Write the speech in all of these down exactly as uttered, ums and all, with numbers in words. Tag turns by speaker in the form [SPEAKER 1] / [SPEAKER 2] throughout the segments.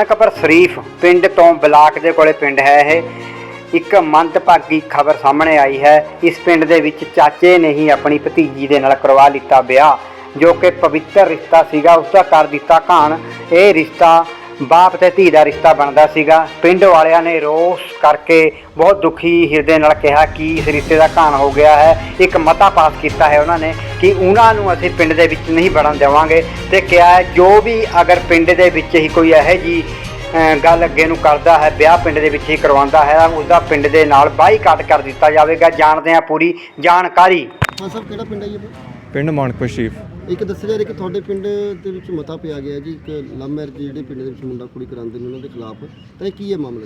[SPEAKER 1] ਨਾਨਕਪੁਰ ਸ਼ਰੀਫ ਪਿੰਡ ਤੋਂ ਬਲਾਕ ਦੇ ਕੋਲੇ ਪਿੰਡ ਹੈ ਇਹ। ਇੱਕ ਮੰਦਭਾਗੀ ਖਬਰ ਸਾਹਮਣੇ ਆਈ ਹੈ। ਇਸ ਪਿੰਡ ਦੇ ਵਿੱਚ ਚਾਚੇ ਨੇ ਹੀ ਆਪਣੀ ਭਤੀਜੀ ਦੇ ਨਾਲ ਕਰਵਾ ਲਿੱਤਾ ਵਿਆਹ, ਜੋ ਕਿ ਪਵਿੱਤਰ ਰਿਸ਼ਤਾ ਸੀਗਾ, ਉਸਦਾ ਕਰ ਦਿੱਤਾ ਘਾਣ। ਇਹ ਰਿਸ਼ਤਾ ਬਾਪ ਤੇ ਧੀ ਦਾ ਰਿਸ਼ਤਾ ਬਣਦਾ ਸੀਗਾ। ਪਿੰਡ ਵਾਲਿਆਂ ਨੇ ਰੋਸ ਕਰਕੇ ਬਹੁਤ ਦੁਖੀ ਹਿਰਦੇ ਨਾਲ ਕਿਹਾ ਕਿ ਇਸ ਰਿਸ਼ਤੇ ਦਾ ਘਾਣ ਹੋ ਗਿਆ ਹੈ। ਇੱਕ ਮਤਾ ਪਾਸ ਕੀਤਾ ਹੈ ਉਹਨਾਂ ਨੇ ਕਿ ਉਹਨਾਂ ਨੂੰ ਅਸੀਂ ਪਿੰਡ ਦੇ ਵਿੱਚ ਨਹੀਂ ਵੜਨ ਦੇਵਾਂਗੇ, ਤੇ ਕਿਹਾ ਹੈ ਜੋ ਵੀ ਅਗਰ ਪਿੰਡ ਦੇ ਵਿੱਚ ਹੀ ਕੋਈ ਇਹੋ ਜਿਹੀ ਗੱਲ ਅੱਗੇ ਨੂੰ ਕਰਦਾ ਹੈ, ਵਿਆਹ ਪਿੰਡ ਦੇ ਵਿੱਚ ਹੀ ਕਰਵਾਉਂਦਾ ਹੈ, ਉਸਦਾ ਪਿੰਡ ਦੇ ਨਾਲ ਬਾਈਕਾਟ ਕਰ ਦਿੱਤਾ ਜਾਵੇਗਾ। ਜਾਣਦੇ ਹਾਂ ਪੂਰੀ ਜਾਣਕਾਰੀ।
[SPEAKER 2] ਹਾਂ ਸਰ, ਕਿਹੜਾ ਪਿੰਡ ਹੈ ਜੀ?
[SPEAKER 3] ਪਿੰਡ ਮਾਨਕਪੁਰ ਸ਼ਰੀਫ।
[SPEAKER 2] ਇੱਕ ਦੱਸਿਆ ਜਾ ਰਿਹਾ ਕਿ ਤੁਹਾਡੇ ਪਿੰਡ ਦੇ ਵਿੱਚ ਮਤਾ ਪਿਆ ਗਿਆ ਜੀ, ਇੱਕ ਲਵ ਮੈਰਿਜ ਜਿਹੜੇ ਪਿੰਡ ਦੇ ਵਿੱਚ ਮੁੰਡਾ ਕੁੜੀ ਕਰਾਉਂਦੇ ਨੇ ਉਹਨਾਂ ਦੇ ਖਿਲਾਫ, ਤਾਂ ਇਹ ਕੀ ਹੈ ਮਾਮਲਾ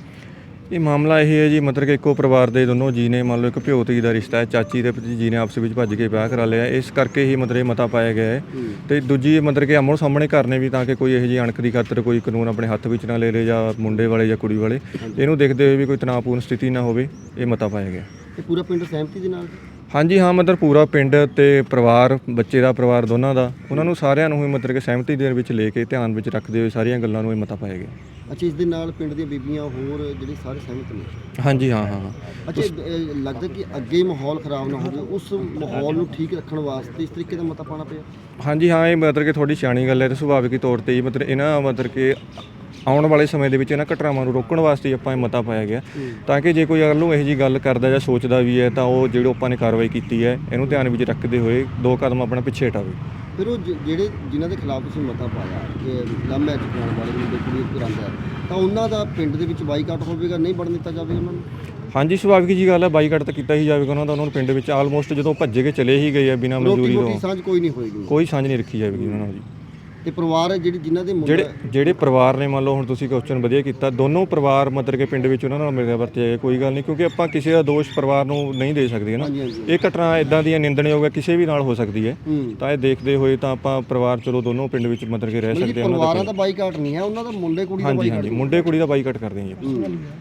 [SPEAKER 2] ਜੀ?
[SPEAKER 3] ਇਹ ਮਾਮਲਾ ਇਹ ਹੈ ਜੀ, ਮਤਲਬ ਕਿ ਇੱਕੋ ਪਰਿਵਾਰ ਦੇ ਦੋਨੋਂ ਜੀ ਨੇ, ਮੰਨ ਲਓ ਇੱਕ ਭਿਓ ਧੀ ਦਾ ਰਿਸ਼ਤਾ ਹੈ, ਚਾਚੀ ਤੇ ਭਤੀਜੀ ਨੇ ਆਪਸ ਵਿੱਚ ਭੱਜ ਕੇ ਵਿਆਹ ਕਰਾ ਲਿਆ, ਇਸ ਕਰਕੇ ਹੀ ਮਤਲਬ ਇਹ ਮਤਾ ਪਾਇਆ ਗਿਆ ਹੈ। ਤੇ ਦੂਜੀ ਮਤਲਬ ਕਿ ਆਮੋ ਸਾਹਮਣੇ ਕਰਨੇ ਵੀ, ਤਾਂ ਕਿ ਕੋਈ ਇਹੋ ਜਿਹੀ ਅਣਖ ਦੀ ਖਾਤਰ ਕੋਈ ਕਾਨੂੰਨ ਆਪਣੇ ਹੱਥ ਵਿੱਚ ਨਾ ਲੈ ਲੇ, ਜਾਂ ਮੁੰਡੇ ਵਾਲੇ ਜਾਂ ਕੁੜੀ ਵਾਲੇ, ਇਹਨੂੰ ਦੇਖਦੇ ਹੋਏ ਵੀ ਕੋਈ ਤਣਾਅਪੂਰਨ ਸਥਿਤੀ ਨਾ ਹੋਵੇ, ਇਹ ਮਤਾ ਪਾਇਆ ਗਿਆ।
[SPEAKER 2] ਇਹ ਪੂਰਾ ਪਿੰਡ ਸਹਿਮਤੀ ਦੇ ਨਾਲ?
[SPEAKER 3] ਹਾਂਜੀ ਹਾਂ, ਮਤਲਬ ਪੂਰਾ ਪਿੰਡ ਤੇ ਪਰਿਵਾਰ, ਬੱਚੇ ਦਾ ਪਰਿਵਾਰ ਦੋਨਾਂ ਦਾ, ਉਹਨਾਂ ਨੂੰ ਸਾਰਿਆਂ ਨੂੰ ਹੀ ਮਤਲਬ ਕਿ ਸਹਿਮਤੀ ਦੇ ਵਿੱਚ ਲੈ ਕੇ ਧਿਆਨ ਵਿੱਚ ਰੱਖਦੇ ਹੋਏ ਸਾਰੀਆਂ ਗੱਲਾਂ ਨੂੰ ਇਹ ਮਤਾ ਪਾਇਆ ਗਿਆ।
[SPEAKER 2] ਅੱਛਾ, ਇਸ ਦੇ ਨਾਲ ਪਿੰਡ ਦੀਆਂ ਬੀਬੀਆਂ ਹੋਰ ਜਿਹੜੇ ਸਾਰੇ ਸਹਿਮਤ ਨੇ?
[SPEAKER 3] ਹਾਂਜੀ ਹਾਂ ਹਾਂ।
[SPEAKER 2] ਅੱਛਾ, ਇਹ ਲੱਗਦਾ ਕਿ ਅੱਗੇ ਮਾਹੌਲ ਖਰਾਬ ਨਾ ਹੋਵੇ, ਉਸ ਮਾਹੌਲ ਨੂੰ ਠੀਕ ਰੱਖਣ ਵਾਸਤੇ ਇਸ ਤਰੀਕੇ ਦਾ ਮਤਾ ਪਾਉਣਾ ਪਿਆ?
[SPEAKER 3] ਹਾਂਜੀ ਹਾਂ, ਇਹ ਮਤਲਬ ਕਿ ਥੋੜੀ ਸਿਆਣੀ ਗੱਲ ਹੈ ਤੇ ਸੁਭਾਵਿਕ ਤੌਰ ਤੇ ਹੀ ਮਤਲਬ ਇਹਨਾਂ ਮਤਲਬ ਕਿ ਆਉਣ ਵਾਲੇ ਸਮੇਂ ਦੇ ਵਿੱਚ ਇਹਨਾਂ ਘਟਨਾਵਾਂ ਨੂੰ ਰੋਕਣ ਵਾਸਤੇ ਆਪਾਂ ਇਹ ਮਤਾ ਪਾਇਆ ਗਿਆ, ਤਾਂ ਕਿ ਜੇ ਕੋਈ ਅਗਰ ਨੂੰ ਇਹੋ ਜਿਹੀ ਗੱਲ ਕਰਦਾ ਜਾਂ ਸੋਚਦਾ ਵੀ ਹੈ ਤਾਂ ਉਹ ਜਿਹੜੀ ਆਪਾਂ ਨੇ ਕਾਰਵਾਈ ਕੀਤੀ ਹੈ ਇਹਨੂੰ ਧਿਆਨ ਵਿੱਚ ਰੱਖਦੇ ਹੋਏ ਦੋ ਕਦਮ ਆਪਣਾ ਪਿੱਛੇ ਹਟਾਵੇ।
[SPEAKER 2] ਫਿਰ ਉਹ ਜਿਹੜੇ ਜਿਨ੍ਹਾਂ ਦੇ ਖਿਲਾਫ ਤੁਸੀਂ ਮਤਾ ਪਾਇਆ ਕਿ ਲਵ ਮੈਰਿਜ ਕਰਾਉਣ ਵਾਲੇ ਮੁੰਡੇ ਕੁੜੀ ਕਰਾਉਂਦਾ, ਤਾਂ ਉਹਨਾਂ ਦਾ ਪਿੰਡ ਦੇ ਵਿੱਚ ਬਾਈਕਾਟ ਹੋਵੇਗਾ, ਨਹੀਂ ਵੜਨ ਦਿੱਤਾ ਜਾਵੇਗਾ ਉਹਨਾਂ ਨੂੰ?
[SPEAKER 3] ਹਾਂਜੀ, ਸੁਭਾਵਿਕ ਜੀ ਗੱਲ ਹੈ, ਬਾਈਕਾਟ ਤਾਂ ਕੀਤਾ ਹੀ ਜਾਵੇਗਾ ਉਹਨਾਂ ਦਾ। ਉਹਨਾਂ ਨੂੰ ਪਿੰਡ ਵਿੱਚ ਆਲਮੋਸਟ ਜਦੋਂ ਭੱਜੇ ਕੇ ਚਲੇ ਹੀ ਗਏ ਆ ਬਿਨਾਂ ਮਨਜ਼ੂਰੀ ਤੋਂ,
[SPEAKER 2] ਸਾਂਝ ਕੋਈ ਨਹੀਂ ਹੋਏਗੀ,
[SPEAKER 3] ਕੋਈ ਸਾਂਝ ਨਹੀਂ ਰੱਖੀ ਜਾਵੇਗੀ ਉਹਨਾਂ ਨਾਲ ਜੀ।
[SPEAKER 2] ਤੇ ਪਰਿਵਾਰ ਹੈ ਜਿਹੜੀ ਜਿਨ੍ਹਾਂ ਦੇ
[SPEAKER 3] ਜਿਹੜੇ ਜਿਹੜੇ ਪਰਿਵਾਰ ਨੇ, ਮੰਨ ਲਓ ਹੁਣ ਤੁਸੀਂ ਕੁਐਸਚਨ ਵਧੀਆ ਕੀਤਾ, ਦੋਨੋਂ ਪਰਿਵਾਰ ਮਤਲਬ ਕਿ ਪਿੰਡ ਵਿੱਚ ਉਹਨਾਂ ਨਾਲ ਮਿਲਿਆ ਵਰਤਿਆ ਜਾਏ, ਕੋਈ ਗੱਲ ਨਹੀਂ, ਕਿਉਂਕਿ ਆਪਾਂ ਕਿਸੇ ਦਾ ਦੋਸ਼ ਪਰਿਵਾਰ ਨੂੰ ਨਹੀਂ ਦੇ ਸਕਦੇ ਨਾ। ਇਹ ਘਟਨਾ ਇਦਾਂ ਦੀਆਂ ਨਿੰਦਣਯੋਗ ਹੈ, ਕਿਸੇ ਵੀ ਨਾਲ ਹੋ ਸਕਦੀ ਹੈ, ਤਾਂ ਇਹ ਦੇਖਦੇ ਹੋਏ ਤਾਂ ਆਪਾਂ ਪਰਿਵਾਰ ਚਲੋ ਦੋਨੋਂ ਪਿੰਡ ਵਿੱਚ ਮਤਲਬ ਕਿ ਰਹਿ ਸਕਦੇ ਹਾਂ।
[SPEAKER 2] ਪਰਿਵਾਰਾਂ ਦਾ ਬਾਈਕਾਟ ਨਹੀਂ ਹੈ, ਉਹਨਾਂ ਦਾ ਮੁੰਡੇ ਕੁੜੀ ਦਾ ਬਾਈਕਾਟ।
[SPEAKER 3] ਹਾਂਜੀ ਹਾਂਜੀ, ਮੁੰਡੇ ਕੁੜੀ ਦਾ ਬਾਈਕਾਟ ਕਰਦੇ ਹਾਂ ਜੀ।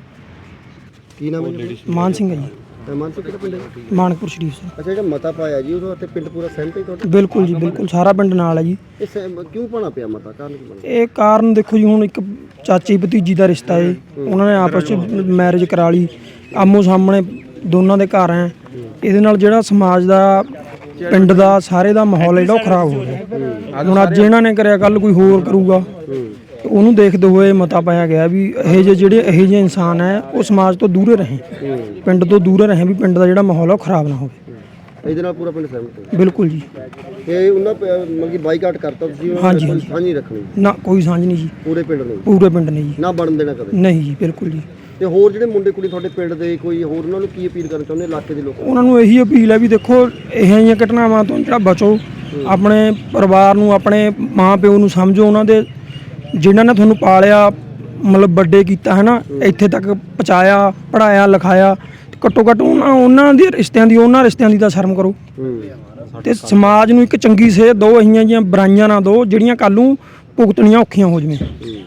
[SPEAKER 2] ਕੀ ਨਾਮ ਹੈ?
[SPEAKER 4] ਮਾਨ ਸਿੰਘ ਹੈ ਜੀ।
[SPEAKER 2] ਮਾਨਸੂ ਕਿਹੜਾ ਪਿੰਡ ਹੈ?
[SPEAKER 4] ਮਾਨਕਪੁਰ ਸ਼ਰੀਫ ਸਿੰਘ।
[SPEAKER 2] ਅੱਛਾ, ਜਿਹੜਾ ਮਤਾ ਪਾਇਆ ਜੀ ਉਹਦੇ ਉੱਤੇ ਪਿੰਡ ਪੂਰਾ ਸਹਿਮਤ ਹੈ ਤੁਹਾਡਾ?
[SPEAKER 4] ਬਿਲਕੁਲ ਜੀ, ਬਿਲਕੁਲ ਸਾਰਾ ਪਿੰਡ ਨਾਲ ਹੈ ਜੀ।
[SPEAKER 2] ਇਹ ਸਹਿਮ- ਕਿਉਂ ਪਾਉਣਾ ਪਿਆ ਮਤਾ? ਕਾਰਨ ਕੀ ਬਣਿਆ?
[SPEAKER 4] ਇਹ ਕਾਰਨ ਦੇਖੋ ਜੀ, ਹੁਣ ਇੱਕ ਚਾਚੀ ਭਤੀਜੀ ਦਾ ਰਿਸ਼ਤਾ ਹੈ, ਉਹਨਾਂ ਨੇ ਆਪਸ ਵਿੱਚ ਮੈਰਿਜ ਕਰਾ ਲਈ, ਆਮੋ ਸਾਹਮਣੇ ਦੋਨਾਂ ਦੇ ਘਰ ਹੈ। ਇਹਦੇ ਨਾਲ ਜਿਹੜਾ ਸਮਾਜ ਦਾ, ਪਿੰਡ ਦਾ, ਸਾਰੇ ਦਾ ਮਾਹੌਲ ਜਿਹੜਾ ਉਹ ਖਰਾਬ ਹੋ ਗਿਆ। ਹੁਣ ਅੱਜ ਇਹਨਾਂ ਨੇ ਕਰਿਆ, ਕੱਲ ਕੋਈ ਹੋਰ ਕਰੂਗਾ, ਉਹਨੂੰ ਦੇਖਦੇ ਹੋਏ ਮਤਾ ਪਾਇਆ ਗਿਆ ਵੀ ਇਹ ਜਿਹੇ ਜਿਹੜੇ ਇਹੋ ਜਿਹੇ ਇਨਸਾਨ ਹੈ ਉਹ ਸਮਾਜ ਤੋਂ ਦੂਰੇ ਰਹੇ, ਪਿੰਡ ਤੋਂ ਦੂਰੇ ਰਹੇ, ਵੀ ਪਿੰਡ ਦਾ ਜਿਹੜਾ ਮਾਹੌਲ ਹੈ ਉਹ ਖਰਾਬ ਨਾ ਹੋਵੇ।
[SPEAKER 2] ਇਹਦੇ ਨਾਲ ਪੂਰਾ ਪਿੰਡ ਸਹਿਮਤ ਹੈ?
[SPEAKER 4] ਬਿਲਕੁਲ ਜੀ।
[SPEAKER 2] ਇਹ ਉਹਨਾਂ ਮਤਲਬ ਕਿ ਬਾਈਕਾਟ ਕਰਤਾ ਤੁਸੀਂ?
[SPEAKER 4] ਹਾਂਜੀ
[SPEAKER 2] ਸਾਂਝ ਨਹੀਂ ਰੱਖਣੀ?
[SPEAKER 4] ਨਾ, ਕੋਈ ਸਾਂਝ ਨਹੀਂ ਜੀ,
[SPEAKER 2] ਪੂਰੇ ਪਿੰਡ ਨੂੰ? ਪੂਰੇ
[SPEAKER 4] ਪੂਰੇ ਪਿੰਡ ਨੇ ਜੀ,
[SPEAKER 2] ਨਾ ਬਣਨ ਦੇਣਾ ਕਦੇ?
[SPEAKER 4] ਨਹੀਂ ਜੀ, ਬਿਲਕੁਲ ਜੀ।
[SPEAKER 2] ਤੇ ਹੋਰ ਜਿਹੜੇ ਮੁੰਡੇ ਕੁੜੀ ਤੁਹਾਡੇ ਪਿੰਡ ਦੇ, ਕੋਈ ਹੋਰ ਉਹਨਾਂ ਨੂੰ ਕੀ ਅਪੀਲ ਕਰਨਾ ਚਾਹੁੰਦੇ ਇਲਾਕੇ ਦੇ ਲੋਕਾਂ?
[SPEAKER 4] ਉਹਨਾਂ ਨੂੰ ਇਹੀ ਅਪੀਲ ਹੈ ਵੀ ਦੇਖੋ, ਇਹੋ ਜਿਹੀਆਂ ਘਟਨਾਵਾਂ ਤੋਂ ਜਿਹੜਾ ਬਚੋ, ਆਪਣੇ ਪਰਿਵਾਰ ਨੂੰ, ਆਪਣੇ ਮਾਂ ਪਿਓ ਨੂੰ ਸਮਝੋ, ਉਹਨਾਂ ਦੇ ਜਿਨ੍ਹਾਂ ਨੇ ਤੁਹਾਨੂੰ ਪਾਲਿਆ, ਮਤਲਬ ਵੱਡੇ ਕੀਤਾ ਹੈ ਨਾ, ਇੱਥੇ ਤੱਕ ਪਹੁੰਚਾਇਆ, ਪੜ੍ਹਾਇਆ ਲਿਖਾਇਆ, ਘੱਟੋ ਘੱਟ ਉਹਨਾਂ ਉਹਨਾਂ ਦੇ ਰਿਸ਼ਤਿਆਂ ਦੀ, ਉਹਨਾਂ ਰਿਸ਼ਤਿਆਂ ਦੀ ਤਾਂ ਸ਼ਰਮ ਕਰੋ, ਤੇ ਸਮਾਜ ਨੂੰ ਇੱਕ ਚੰਗੀ ਸੇਧ ਦਿਓ, ਇਹੀਆਂ ਜਿਹੀਆਂ ਬੁਰਾਈਆਂ ਨਾ ਦਿਓ ਜਿਹੜੀਆਂ ਕੱਲ੍ਹ ਨੂੰ ਭੁਗਤਣੀਆਂ ਔਖੀਆਂ ਹੋ ਜਾਵੇ।